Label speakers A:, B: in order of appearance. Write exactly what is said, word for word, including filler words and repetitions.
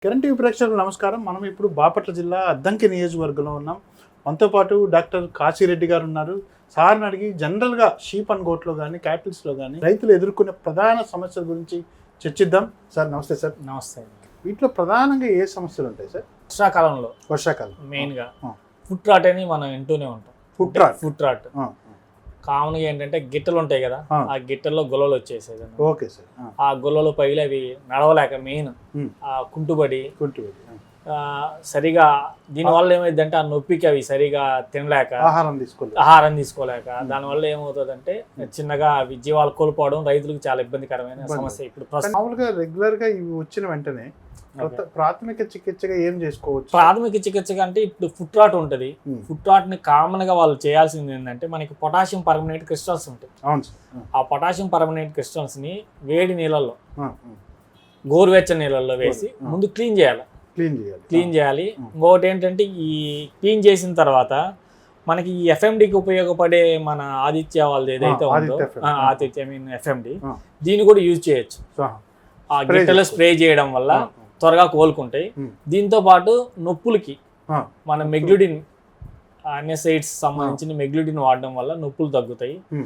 A: Kiran TV ప్రేక్షకులకు నమస్కారం. మనం ఇప్పుడు బాపట్ల జిల్లా అద్దంకి నియోజకవర్గంలో ఉన్నాం. మనతో పాటు డాక్టర్ కాశీరెడ్డి గారు ఉన్నారు. సార్ని అడిగి జనరల్గా షీప్ అండ్ గోట్లో కానీ క్యాటిల్స్లో కానీ రైతులు ఎదుర్కొనే ప్రధాన సమస్యల గురించి చర్చిద్దాం. సార్ నమస్తే. సార్
B: నమస్తే.
A: వీటిలో ప్రధానంగా ఏ సమస్యలు ఉంటాయి సార్?
B: వర్షాకాలంలో
A: వర్షాకాలం
B: మెయిన్గా ఫుట్ రాట్ అని మనం వింటూనే ఉంటాం.
A: ఫుట్ రాట్
B: ఫుట్ రాట్ కామన్గా ఏంటంటే గిట్టలు ఉంటాయి కదా, ఆ గిట్టల్లో గొల్లలు వచ్చేసేది.
A: Okay sir.
B: ఆ గొల్లలు పగిలి అవి నడవలేక మెయిన్ ఆ కుంటుబడి
A: కుంటుబడి
B: సరిగా దీనివల్ల ఏమైందంటే ఆ నొప్పికి అవి సరిగా తినలేక
A: ఆహారం తీసుకోలేక
B: ఆహారం తీసుకోలేక దానివల్ల ఏమవుతుందంటే చిన్నగా అవి జీవాలు కోల్పోవడం రైతులకు చాలా ఇబ్బందికరమైన సమస్య. ఇప్పుడు
A: మామూలుగా రెగ్యులర్ గా ఇవి వచ్చిన వెంటనే ప్రాథమిక చికిత్సగా ఏం చేసుకోవచ్చు?
B: ప్రాథమిక చికిత్సగా అంటే ఇప్పుడు ఫుట్ రాట్ ఉంటుంది. ఫుట్ రాట్ ని కామన్ గా వాళ్ళు చేయాల్సింది ఏంటంటే మనకి పొటాషియం పర్మనేట్ క్రిస్టల్స్ ఉంటాయి. ఆ పొటాషియం పర్మనేట్ క్రిస్టల్స్ ని వేడి నీళ్ళల్లో గోరువెచ్చని నీళ్ళల్లో వేసి ముందు క్లీన్ చేయాలి.
A: క్లీన్ చేయాలి
B: క్లీన్ చేయాలి ఇంకొకటి ఏంటంటే ఈ క్లీన్ చేసిన తర్వాత మనకి ఈ ఎఫ్ఎండికి ఉపయోగపడే మన ఆదిత్య వాళ్ళది ఏదైతే ఉందో ఆదిత్య మీన్ ఎఫ్ఎండి దీన్ని కూడా యూజ్ చేయొచ్చు. ఆ గిట్టలో స్ప్రే చేయడం వల్ల త్వరగా కోలుకుంటాయి. దీంతో పాటు నొప్పులకి మన మెగ్లుడిన్ అన్యసైడ్స్ సంబంధించిన మెగ్లుడిన్ వాడడం వల్ల నొప్పులు తగ్గుతాయి.